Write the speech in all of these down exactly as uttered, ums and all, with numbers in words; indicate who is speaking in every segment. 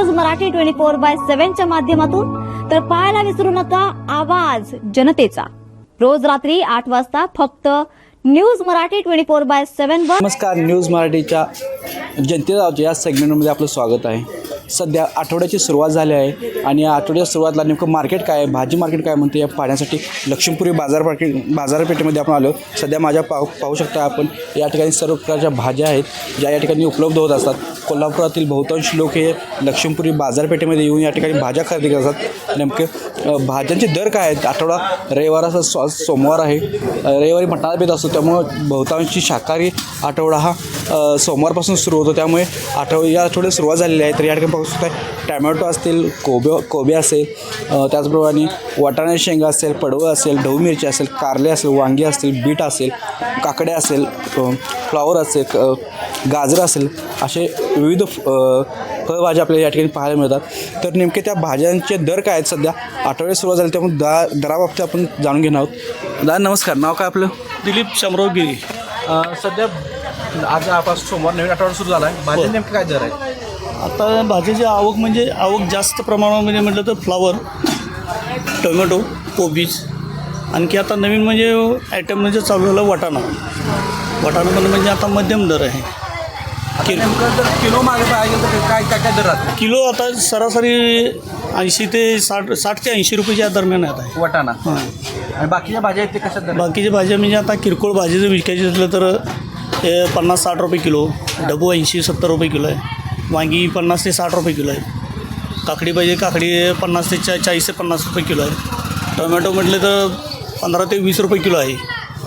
Speaker 1: News Marathi twenty four by सेव्हनच्या माध्यमातून तर पाहायला विसरू नका आवाज जनतेचा रोज रात्री आठ वाजता फक्त news Marathi twenty four by seven वर।
Speaker 2: नमस्कार, न्यूज मराठीच्या जनतेचा या सेगमेंटमध्ये आपलं स्वागत आहे। सध्या आठवड्याची सुरुवात झाली आहे आणि या आठवड्याच्या सुरुवातीला नेमकं मार्केट काय आहे, भाजी मार्केट काय म्हणते या पाहण्यासाठी लक्ष्मीपुरी बाजार मार्केट बाजारपेठेमध्ये आपण आलो। सध्या माझ्या पाहू पाहू शकता आपण या ठिकाणी सर्व प्रकारच्या भाज्या आहेत ज्या या ठिकाणी उपलब्ध होत असतात। कोल्हापुरातील बहुतांश लोक हे लक्ष्मीपुरी बाजारपेठेमध्ये येऊन या ठिकाणी भाज्या खरेदी करतात। नेमके भाज्यांचे दर काय आहेत, आठवडा रविवाराचा सो सोमवार आहे, रविवारी मटणाचा बेत असतो त्यामुळे बहुतांशी शाकाहारी आठवडा हा सोमवारपासून सुरू होतो। त्यामुळे आठव या आठवड्यात सुरुवात झालेली आहे। तर या ठिकाणी पाहू शकता टॅमॅटो असतील, कोबे कोबे असेल, त्याचप्रमाणे वाटाणा शेंगा असेल, पडवळ असेल, ढऊ मिरची असेल, कारले असेल, वांगी असतील, बीट असेल, काकडे असेल, फ्लावर असेल, गाजर असेल, असे विविध फळभाज्या आपल्याला या ठिकाणी पाहायला मिळतात। तर नेमके त्या भाज्यांचे दर काय आहेत सध्या आठवड्यात सुरुवात झाली त्यामुळे दा दराबाबतीत आपण जाणून घेणार आहोत। दादा नमस्कार, नाव काय आपलं?
Speaker 3: दिलीप शामराव गिरी।
Speaker 2: सध्या आज आपासून सोमवार नवीन आठवडा सुरू झाला आहे, भाज्या नेमके काय दर आहे?
Speaker 3: आता भाजीची आवक म्हणजे आवक जास्त प्रमाणामध्ये म्हटलं तर फ्लावर, टोमॅटो, कोबीज, आणखी आता नवीन म्हणजे आयटम म्हणजे चालू झालं वाटाणा। वाटाणा पण म्हणजे आता मध्यम दर आहे।
Speaker 2: किलो नेमकं जर किलो मागे पाहिजे तर काय काय काय दर राहते?
Speaker 3: किलो आता सरासरी ऐंशी ते साठ साठ ते ऐंशी रुपयाच्या दरम्यान येत आहे
Speaker 2: वाटाणा।
Speaker 3: हां,
Speaker 2: आणि बाकीच्या भाज्या आहेत ते कशा दर?
Speaker 3: बाकीच्या भाज्या म्हणजे आता किरकोळ भाजी जर विकायची असलं तर हे पन्नास साठ रुपये किलो, डबू ऐंशी सत्तर रुपये किलो आहे, वांगी पन्नास ते साठ रुपये किलो आहे, काकडी पाहिजे काकडी पन्नास ते चा चाळीस ते पन्नास रुपये किलो आहे, टोमॅटो म्हटले तर पंधरा ते वीस रुपये किलो आहे,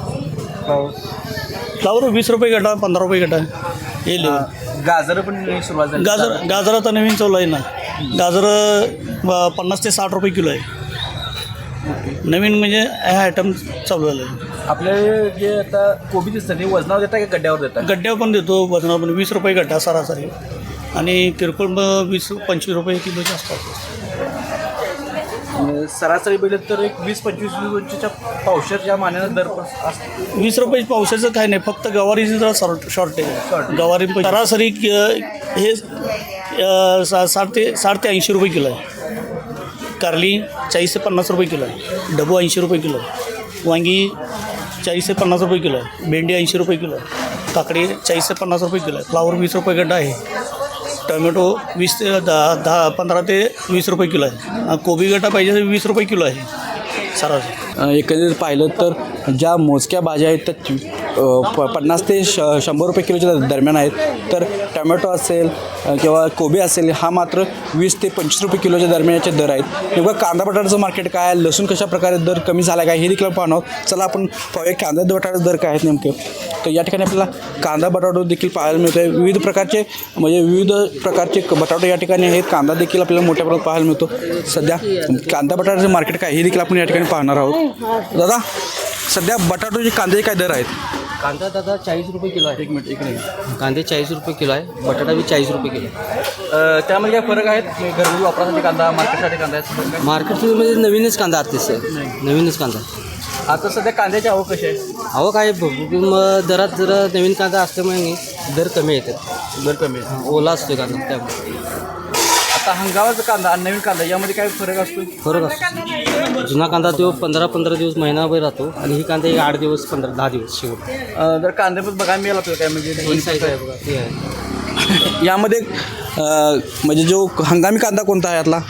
Speaker 3: फ्लावर वीस रुपये गटा पंधरा रुपये गटा हे लिहून।
Speaker 2: गाजर पण सुरुवात झाली?
Speaker 3: गाजर गाजर आता नवीन चालू आहे ना, गाजर पन्नास ते साठ रुपये किलो आहे नवीन, म्हणजे हे आयटम चालू झालं आहे।
Speaker 2: आपले जे आता कोबी दिसतं ते वजनावर देतात का गड्ड्यावर देतात?
Speaker 3: गड्ड्यावर पण देतो, वजनावर पण वीस रुपये गड्डा सरासरी, आणि किरकोळ मग वीस पंचवीस रुपये किलोचे असतात।
Speaker 2: सरासरी बघितलं तर एक वीस पंचवीस पंचवीसच्या पावशेरच्या मानानं दर पण असतो।
Speaker 3: वीस रुपये पावसाचं काय नाही, फक्त गवारीचं जरा शॉर्ट शॉर्टेज आहे। गवारी सरासरी हे सा साठ ते साठ ते ऐंशी रुपये किलो आहे, कारली चाळीस ते पन्नास रुपये किलो आहे, डबू ऐंशी रुपये किलो आहे, वांगी चाळीस ते पन्नास रुपये किलो आहे, भेंडी ऐंशी रुपये किलो आहे, काकडी चाळीस ते पन्नास रुपये किलो आहे, फ्लावर वीस रुपये गड्डा आहे, टोमॅटो वीस ते दहा दहा पंधरा ते वीस रुपये किलो आहे, कोबी गड्डा पाहिजे तर वीस रुपये किलो आहे सरासरी।
Speaker 2: एकंदरीत पाहिलं तर ज्या मोजक्या भाज्या आहेत त्या प पन्नास ते श शंभर रुपये किलोच्या दरम्यान आहेत, तर टोमॅटो असेल किंवा कोबी असेल हा मात्र वीस ते पंचवीस रुपये किलोच्या दरम्यानचे दर आहेत। नेमकं कांदा बटाट्याचं मार्केट काय आहे, लसूण कशा प्रकारे दर कमी झाला काय हे देखील पाहणार आहोत। चला आपण पाहूया कांदा बटाट्याचे दर काय आहेत नेमके। तर या ठिकाणी आपल्याला कांदा बटाटो देखील पाहायला मिळतो आहे, विविध प्रकारचे म्हणजे विविध प्रकारचे बटाटो या ठिकाणी आहेत, कांदा देखील आपल्याला मोठ्या प्रमाणात पाहायला मिळतो। सध्या कांदा बटाट्याचं मार्केट काय हे देखील आपण या ठिकाणी पाहणार आहोत। दादा सध्या बटाटोचे कांद्याचे काय दर आहेत?
Speaker 4: कांदा दादा चाळीस रुपये किलो आहे। एक मिनिट एक मिनिट कांदे चाळीस रुपये किलो आहे, बटाटा बी चाळीस रुपये किलो आहे।
Speaker 2: त्यामध्ये काय फरक आहेत? घरगुती वापरासाठी कांदा, मार्केटसाठी कांदा आहे?
Speaker 4: मार्केटमध्ये नवीनच कांदा आर्टिस्ट आहे, नवीनच कांदा।
Speaker 2: आता सध्या कांद्याची आवक कशी आहे?
Speaker 4: आवक आहे मग दरात जरा नवीन कांदा असल्यामुळे दर कमी येतात,
Speaker 2: दर कमी आहे,
Speaker 4: ओला असतो कांदा त्यामुळे।
Speaker 2: आता हंगामाचा कांदा आणि नवीन कांदा यामध्ये काय फरक असतो?
Speaker 4: फरक असतो, जुना कांदा तो पंधरा पंधरा दिवस महिनाभर राहतो आणि ही कांदा एक आठ दिवस पंधरा दहा दिवस शेवट।
Speaker 2: जर कांदे पण बघायला मिळाला तर काय म्हणजे
Speaker 4: दोन साईज आहे बघा ते आहे।
Speaker 2: यामध्ये म्हणजे जो हंगामी कांदा कोणता आहे यातला?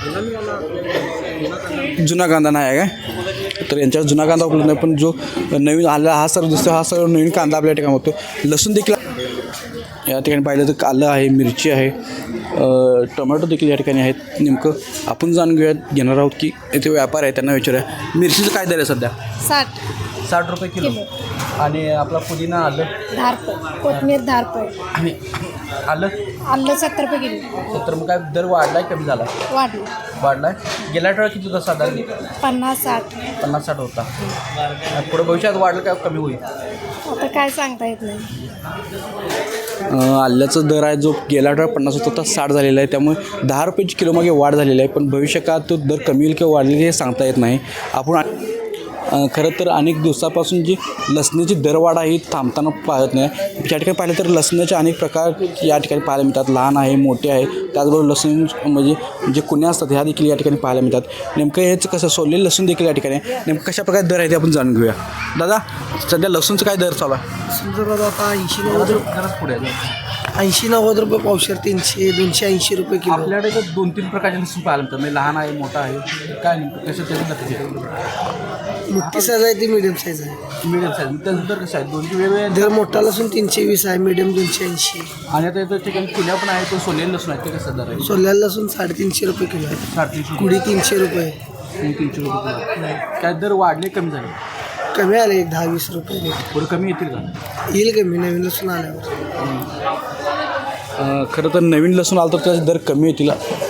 Speaker 2: जुना कांदा नाही आहे काय? तर यांच्यावर जुना कांदा उपलब्ध नाही, पण जो नवीन आला हा सर्व दिसतो हा सर्व नवीन कांदा आपल्या ठिकाणी होतो। लसूण देखील या ठिकाणी पाहिलं तर आलं आहे, मिरची आहे, टोमॅटो देखील या ठिकाणी आहेत। नेमकं आपण जाणून घेऊयात घेणार आहोत की इथे व्यापार आहे त्यांना विचारूया। मिरचीचं काय दर आहे सध्या?
Speaker 5: साठ
Speaker 2: साठ रुपये किलो, आणि आपला पुदिना आलं
Speaker 5: दहा रुपये, कोथमीर दहा रुपये,
Speaker 2: आणि आलं
Speaker 5: आलं सत्तर रुपये किलो।
Speaker 2: तर मग काय दर वाढलाय कमी झाला?
Speaker 5: वाढलं,
Speaker 2: वाढलाय। गेल्या आठवड्यात किती होता साधारण?
Speaker 5: पन्नास साठ
Speaker 2: पन्नास साठ होता, पुढे भविष्यात वाढलं काय कमी होईल?
Speaker 5: आता काय सांगता येत नाही।
Speaker 2: आल्याचा दर आहे जो गेल्या आठवड्यात पन्नास होता तो साठ झालेला आहे, त्यामुळे दहा रुपयाची किलो मागे वाढ झालेली आहे, पण भविष्यकाळात तो दर कमी होईल किंवा वाढलेली हे सांगता येत नाही। आपण अ, खरं तर अनेक दिवसापासून जी लसणीची दरवाढ ही थांबताना पाहत नाही. या ठिकाणी पाहिलं तर लसणाचे अनेक प्रकार या ठिकाणी पाहायला मिळतात. लहान आहे, मोठे आहे, त्याचबरोबर लसूण म्हणजे जे कुण्या असतात ह्या देखील या ठिकाणी पाहायला मिळतात. नेमकं हेच कसं सोललेलं लसूण देखील या ठिकाणी नेमकं कशा प्रकारे दर आहे ते आपण जाणून घेऊया. दादा, सध्या लसूणचं काय दर चालू आहे?
Speaker 6: समजा दादा आता ऐंशी नव्वद रुपये
Speaker 2: पुढे
Speaker 6: ऐंशी नव्वद रुपये पावशेर, तीनशे दोनशे ऐंशी रुपये किलो.
Speaker 2: आपल्याकडे तर दोन तीन प्रकारचे लसूण पाहायला मिळतात. म्हणजे लहान आहे, मोठा आहे, काय नेमकं कसं त्याचं
Speaker 6: मोठी साईज आहे ती मिडियम साईज आहे.
Speaker 2: मिडियम साईज त्याचं दर कसं आहे? दोनशे वेगवेगळे
Speaker 6: दर मोठा लसूण तीनशे वीस आहे, मिडियम दोनशे ऐंशी.
Speaker 2: आणि आता इथं ठिकाणी कुण्या पण आहे, तो सोलेल लसूण आहे, ते कसं दर आहे?
Speaker 6: सोल्याला लसूण साडेतीनशे रुपये किलो आहे.
Speaker 2: साडेतीनशे
Speaker 6: कुडी तीनशे रुपये.
Speaker 2: तीनशे रुपये किलो. काय दर वाढले कमी झाले?
Speaker 6: कमी आले एक दहा वीस रुपये
Speaker 2: पुढे कमी येतील का?
Speaker 6: येईल कमी नवीन लसूण आल्यावर.
Speaker 2: अं, खरं तर नवीन लसूण आलं तर त्याचे दर कमी येतील.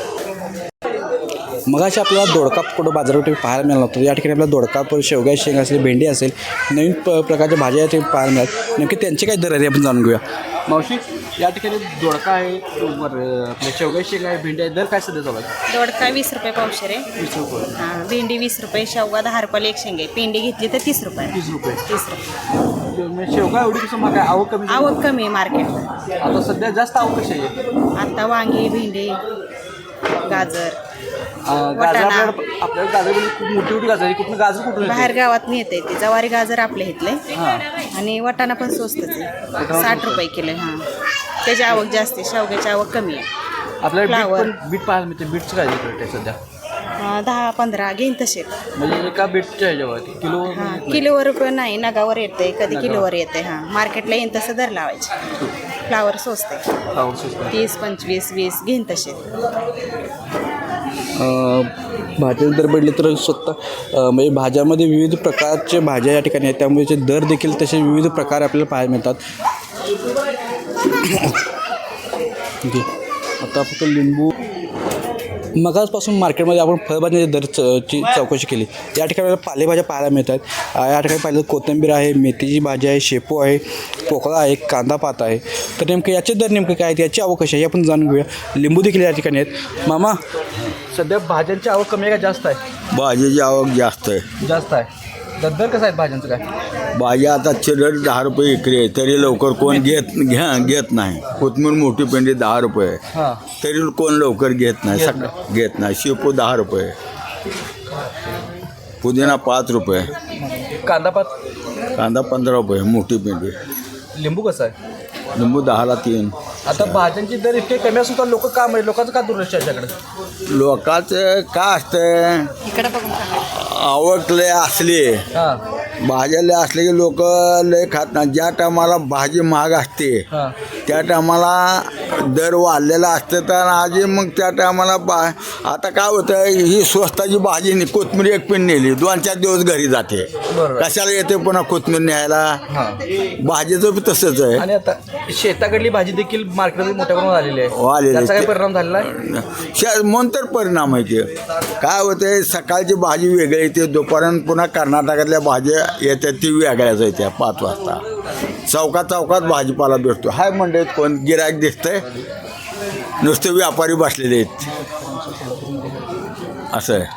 Speaker 2: मगाशी आपल्याला दोडका कुठं बाजारपेठेत पाहायला मिळाला होतं. या ठिकाणी आपल्याला दोडका, शेवगा शेंग असेल, भेंडी असेल, नवीन प प्रकारच्या भाज्या ते पाहायला मिळतात. नेमके त्यांचे काय दर आहे आपण जाणून घेऊया. मावशी, या ठिकाणी दोडका आहे, आपल्या शेवगा शेंग आहे, भेंडी आहे, दर काय सध्या चालू आहे?
Speaker 7: दोडका वीस रुपये पावशेर आहे.
Speaker 2: वीस रुपये.
Speaker 7: हां, भेंडी वीस रुपये, शेवगा दहा रुपयाला एक शेंग आहे. पेंडी घेतली तर तीस रुपये.
Speaker 2: तीस रुपये.
Speaker 7: तीस रुपये.
Speaker 2: म्हणजे शेवगा एवढी कसं मग काय आवक कमी?
Speaker 7: आवक कमी आहे मार्केटला.
Speaker 2: आता सध्या जास्त आवक कशी आहे?
Speaker 7: आता वांगी, भेंडी, गाजर,
Speaker 2: अं, गाजर
Speaker 7: वाटाणा.
Speaker 2: आपल्याला आपल्याला गाजर म्हणजे खूप मोठी मोठी गाजर आहे. कुठून गाजर कुठून येते?
Speaker 7: बाहेर गावात येते ते जवारी गाजर आपल्या इथले.
Speaker 2: हां.
Speaker 7: आणि वाटाणा पण स्वस्तच आहे, साठ रुपये किलो आहे. हां, त्याची आवक जास्त आहे, शेवग्याची आवक कमी आहे.
Speaker 2: आपल्याला बीट
Speaker 7: फ्लावर.
Speaker 2: पण बीट पाहायला मिळते. बीटचं काय रेट आहे सध्या?
Speaker 7: अं, दहा पंधरा घेईन तसे.
Speaker 2: म्हणजे एका बीटच्या ह्याच्यावर किलो
Speaker 7: हां, किलोवर रुपये नाही, नगावर येते, कधी किलोवर येते. हां, मार्केटला येईन तसं दर लावायचे. फ्लावर स्वस्त आहे, तीस पंचवीस वीस घेईन तसे.
Speaker 2: भाज्या दर पडले तर स्वतः अ, म्हणजे भाज्यामध्ये विविध प्रकारचे भाज्या या ठिकाणी आहेत, त्यामुळे ते दर देखील तसे विविध प्रकार आपल्याला पाहायला मिळतात. ठीक आहे. आता फक्त लिंबू मगाचपासून मार्केटमध्ये आपण फळभाज्याचे दर च ची चौकशी केली. या ठिकाणी आपल्याला पालेभाज्या पाहायला मिळतात. या ठिकाणी पाहिलं कोथिंबीर आहे, मेथीची भाजी आहे, शेपू आहे, पोकळा आहे, कांदा पात आहे. तर नेमकं याचे दर नेमके काय आहेत, याची आवक कशी आहे हे आपण जाणून घेऊया. लिंबू देखील या ठिकाणी आहेत. मामा, सध्या भाज्यांची आवक कमी आहे का जास्त आहे?
Speaker 8: भाजीची आवक जास्त आहे.
Speaker 2: जास्त आहे. तर दर कसं आहे भाज्यांचं काय?
Speaker 8: भाज्या आता चिरड दहा रुपये इकडे आहे, तरी लवकर कोण घेत घ्या घेत नाही. कोथमीर मोठी पेंडी दहा रुपये आहे,
Speaker 2: हां.
Speaker 8: तरी कोण लवकर घेत नाही. सगळं घेत नाही. शेपू दहा रुपये, पुदिना पाच रुपये,
Speaker 2: कांदा पात,
Speaker 8: कांदा पंधरा रुपये मोठी पेंडी,
Speaker 2: लिंबू कसं आहे?
Speaker 8: लिंबू दहाला तीन.
Speaker 2: आता भाज्यांची दर इतके कमी असून तर लोक का म्हणजे लोकांचं का दुर्लक्ष आहे त्याच्याकडे?
Speaker 8: लोकांचं काय असतं,
Speaker 7: इकडे बघून सांगा.
Speaker 8: आवक लय असली,
Speaker 2: हां
Speaker 8: भाज्या लय असले की लोक लय खात नाही. ज्या टायमाला भाजी महाग असते
Speaker 2: हां
Speaker 8: त्या टायमाला दर वाढलेला असतं, तर आजी मग त्या टायमाला बा आता काय होतं, ही स्वस्ताची भाजी नि कोथमीर एक पिन नेली, दोन चार दिवस घरी जाते.
Speaker 2: बरोबर.
Speaker 8: कशाला येते पुन्हा कोथमीर न्यायला?
Speaker 2: हां.
Speaker 8: भाजीचं बी तसंच आहे.
Speaker 2: आणि आता शेताकडली भाजी देखील मार्केटमध्ये मोठ्या प्रमाणात आलेली आहे.
Speaker 8: आलेली आहे.
Speaker 2: त्याचा काय परिणाम झालेला आहे?
Speaker 8: शा- म्हणून तर परिणाम आहे ते. काय होते, सकाळची भाजी वेगळी येते, दुपारपर्यंत पुन्हा कर्नाटकातल्या भाज्या येतात ती वेगळ्याच येत्या. पाच वाजता चौकात चौकात भाजीपाला भेटतो. हाय मंडईत कोण गिरायक दिसतंय, नुसते व्यापारी बसलेले आहेत. असं आहे.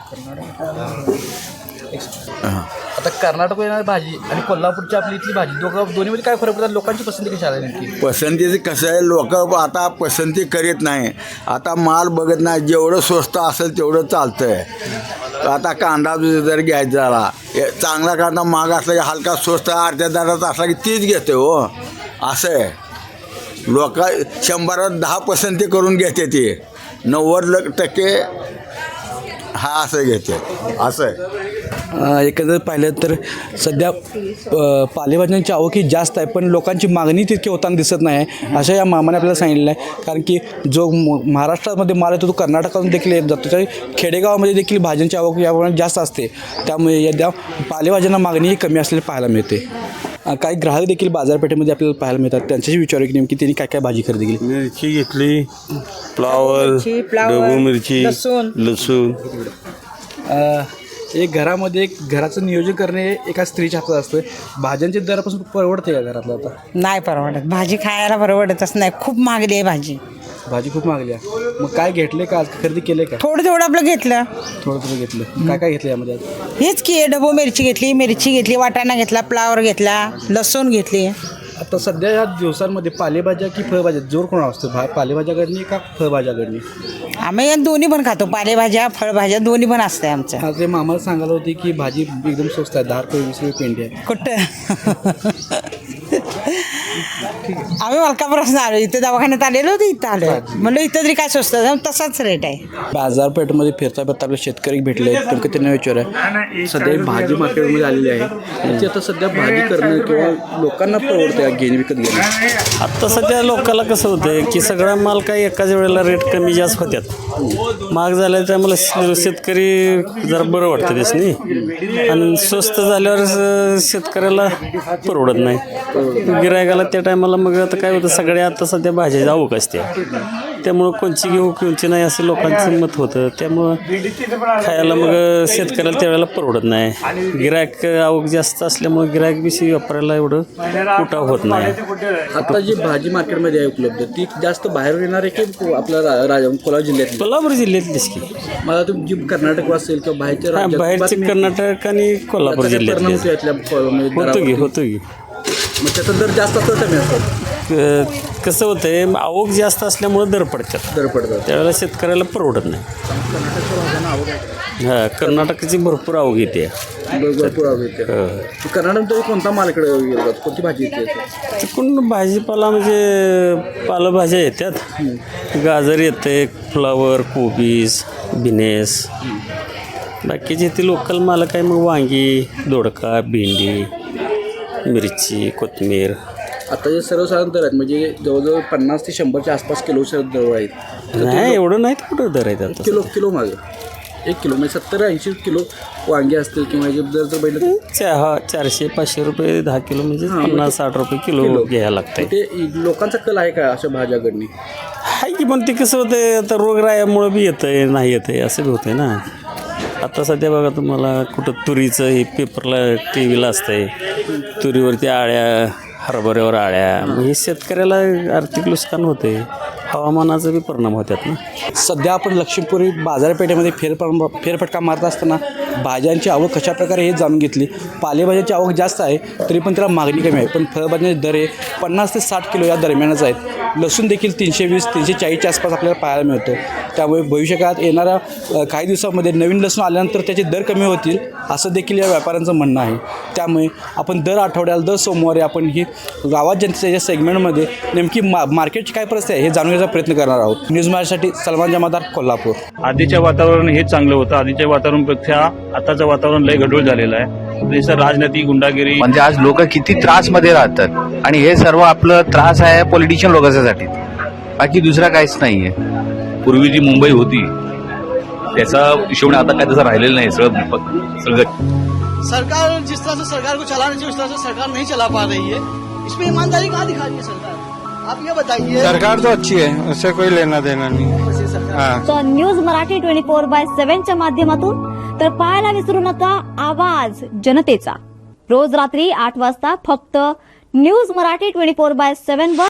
Speaker 8: हां.
Speaker 2: आता कर्नाटक येणारी भाजी आणि कोल्हापूरची आपली इथली भाजी दोघं दोन्हीमध्ये काय फरक पडतात? लोकांची पसंती कशी आली नेमकी?
Speaker 8: पसंतीचं कसं आहे, लोक आता पसंती करीत नाही. आता माल बघत नाही. जेवढं स्वस्त असेल तेवढं चालतं आहे. आता कांदा जर घ्यायचा झाला, ए- चांगला कांदा महाग असला की हलका स्वस्त अर्ध्या दरात असला की तीच घेते हो. असं आहे. लोक शंभरात दहा पसंती करून घेते ती, नव्वद ल- टक्के हा असं घेते. असं आहे.
Speaker 2: एकंदर पाहिलं तर सध्या अ, पालेभाज्यांची आवक ही जास्त आहे, पण लोकांची मागणी तितकी होताना दिसत नाही आहे, असं या मामाने आपल्याला सांगितलेलं आहे. कारण की जो म- महाराष्ट्रामध्ये माल येतो तो कर्नाटकातून देखील येत जातो. तर खेडेगावामध्ये देखील भाज्यांची आवक याप्रमाणे जास्त असते, त्यामुळे या पालेभाज्यांना मागणीही कमी असलेली पाहायला मिळते. अ, काही ग्राहक देखील बाजारपेठेमध्ये आपल्याला पाहायला मिळतात. त्यांच्याशी विचारू की नेमकी त्यांनी काय काय भाजी खरेदी केली.
Speaker 9: मिरची घेतली, फ्लावर, ढबू मिरची, लसूण.
Speaker 2: एक घरामध्ये एक घराचं नियोजन करणे एका स्त्रीच्या हातात असतं. भाज्यांचे दरापासून परवडते का घरातलं आता?
Speaker 10: नाही परवडत. भाजी खायला परवडतच नाही, खूप महागली आहे भाजी.
Speaker 2: भाजी खूप महागली आहे. मग काय घेतले का आज खरेदी केले का?
Speaker 10: थोडं थोडं आपलं घेतलं.
Speaker 2: थोडं थोडं घेतलं. काय काय घेतलं यामध्ये आज?
Speaker 10: हेच की ढबू मिरची घेतली, मिरची घेतली, वाटाणा घेतला, फ्लावर घेतला, लसूण घेतली.
Speaker 2: आता सध्या या दिवसांमध्ये पालेभाज्या की फळभाज्या जोर कोणा असतो? भा पालेभाज्याकडनी का फळभाज्याकडनी?
Speaker 10: आम्ही या दोन्ही पण खातो, पालेभाज्या फळभाज्या दोन्ही पण असते आमचं.
Speaker 2: आज ते मामाला सांगायला होते की भाजी एकदम स्वस्त आहे, दहा रुपये वीस रुपये पेंडी आहे.
Speaker 10: कुठं आम्ही मलकापुरात आलो, इथं दवाखान्यात आलेलो होतो, इथं आलो म्हणलं इथं तरी काय स्वस्त आहे, तसाच रेट आहे.
Speaker 2: बाजारपेठमध्ये फिरता फिरता आपले शेतकरी भेटले नेमकं त्यांना विचार आहे. सध्या ही भाजी मार्केटमध्ये आलेली आहे, ती आता सध्या भाजी करणं किंवा लोकांना परवडते घेणे विकत घेणं.
Speaker 9: आत्ता सध्या लोकांना कसं होतं की सगळा माल काही एकाच वेळेला रेट कमी जास्त होत्यात. महाग झाल्या त्यामुळे शेतकरी जरा बरं वाटतं त्यासनी, आणि स्वस्त झाल्यावर शेतकऱ्याला परवडत नाही. गिरायकाला त्या टायमाला मग आता काय होतं, सगळ्या आता सध्या भाज्याची आवक असते, त्यामुळं कोणची घेऊ कोणची नाही असं लोकांचं मत होतं. त्यामुळं खायला मग शेतकऱ्याला त्यावेळेला परवडत नाही. गिरायक आवक जास्त असल्यामुळे गिरायक विषयी वापरायला एवढं उठाव होत नाही.
Speaker 2: आता जी भाजी मार्केटमध्ये आहे उपलब्ध ती जास्त बाहेर येणार आहे की आपल्या रा- राजा कोल्हापूर जिल्ह्यात?
Speaker 9: कोल्हापूर जिल्ह्यातलीच की.
Speaker 2: मला तुम्ही जी कर्नाटक असेल किंवा बाहेरच्या
Speaker 9: हा,
Speaker 2: राज्यात
Speaker 9: बाहेरचे
Speaker 2: बातमी-
Speaker 9: कर्नाटक आणि कोल्हापूर
Speaker 2: त्याचा परिणाम
Speaker 9: जिल्ह्यातले
Speaker 2: होतो यातल्या फ- म्हणजे
Speaker 9: होतो की
Speaker 2: दरावरती.
Speaker 9: होतो की
Speaker 2: मग त्याचा दर जास्त असतो कमी असतो?
Speaker 9: क- कसं होतंय, आवक जास्त असल्यामुळे दर पडतात,
Speaker 2: दर पडतात.
Speaker 9: त्यावेळेला शेतकऱ्याला परवडत नाही. हां, कर्नाटकाची भरपूर आवक येते.
Speaker 2: भरपूर आवक येते.
Speaker 9: हो.
Speaker 2: कर्नाटक कोणता मालकडे येतात? कोणती भाजी येते?
Speaker 9: तिकडून भाजीपाला म्हणजे पालेभाज्या येतात, गाजर येते, फ्लावर, कोबीज, बिनेस. बाकीचे ते लोकल माल काय मग वांगी, दोडका, भेंडी, मिरची, कोथिंबीर.
Speaker 2: आता जे सर्वसाधारण दर आहेत म्हणजे जवळजवळ पन्नास ते शंभरच्या आसपास किलो दर आहेत.
Speaker 9: नाही एवढं नाही तर कुठं दर आहेत आता.
Speaker 2: किलो किलो मागे एक किलो म्हणजे सत्तर ऐंशी किलो वांगे असतील किंवा हे जर जर बघितलं
Speaker 9: चहा चारशे पाचशे रुपये दहा किलो म्हणजे पन्नास साठ रुपये किलो घ्यायला लागतंय.
Speaker 2: ते लोकांचा कल आहे का अशा भाज्याकडनी?
Speaker 9: हाय की, पण ते कसं होतंय आता रोगरायामुळं बी येतंय नाही येतंय असं बी होतंय ना. आता सध्या बघा तुम्हाला कुठं तुरीचं हे पेपरला टी व्हीला असतंय, तुरीवरती आळ्या, हरभऱ्यावर आळ्या, मग हे शेतकऱ्याला आर्थिक नुकसान होते, हवामानाचा बी परिणाम होतात ना.
Speaker 2: सध्या आपण लक्ष्मीपुरी बाजारपेठेमध्ये फेरपर फेरफटका मारत असताना भाज्यांची आवक कशाप्रकारे हे जाणून घेतली. पालेभाज्याची आवक जास्त आहे तरी पण त्याला मागणी कमी आहे, पण फळभाज्यांचे दर हे पन्नास ते साठ किलो या दरम्यानच आहेत. लसूण देखील तीनशे वीस तीनशे चाळीसच्या आसपास आपल्याला पाहायला मिळतो. त्यामुळे भविष्यकाळात येणाऱ्या अ, काही दिवसामध्ये नवीन लसूण आल्यानंतर त्याचे दर कमी होतील असं देखील या व्यापाऱ्यांचं म्हणणं आहे. त्यामुळे आपण दर आठवड्याला दर सोमवारी आपण ही गावात जनतेच्या या सेगमेंटमध्ये नेमकी मा मार्केटची काय परिस्थिती आहे हे जाणून घेण्याचा प्रयत्न करणार आहोत. न्यूज माझ्यासाठी सलमान जमादार, कोल्हापूर.
Speaker 11: आधीच्या वातावरण हे चांगलं होतं. आधीच्या वातावरणापेक्षा आताचं वातावरण लय गढूळ झालेलं आहे. देशात राजनीती, गुंडागिरी,
Speaker 12: म्हणजे आज लोक किती त्रास मध्ये राहतात आणि हे सर्व आपलं त्रास आहे पॉलिटिशियन लोकांसाठी, बाकी दुसरा काहीच नाहीये.
Speaker 11: पूर्वी जी मुंबई होती त्याचा हिशोब आता काय तसं राहिलेलं नाही. सगळं सगळं
Speaker 6: सरकार जिस तरह से सरकार को चलाना चाहिए उस तरह से सरकार नहीं चला पा रही है. इसमें ईमानदारी कहाँ दिखा रही है सरकार? आप ये बताइए.
Speaker 12: सरकार तो अच्छी है, उससे कोई लेना देना नहीं. हाँ.
Speaker 1: तर news Marathi twenty four by सेव्हनच्या माध्यमातून तर पाहायला विसरू नका आवाज जनतेचा. रोज रात्री आठ वाजता फक्त news Marathi twenty four by seven वर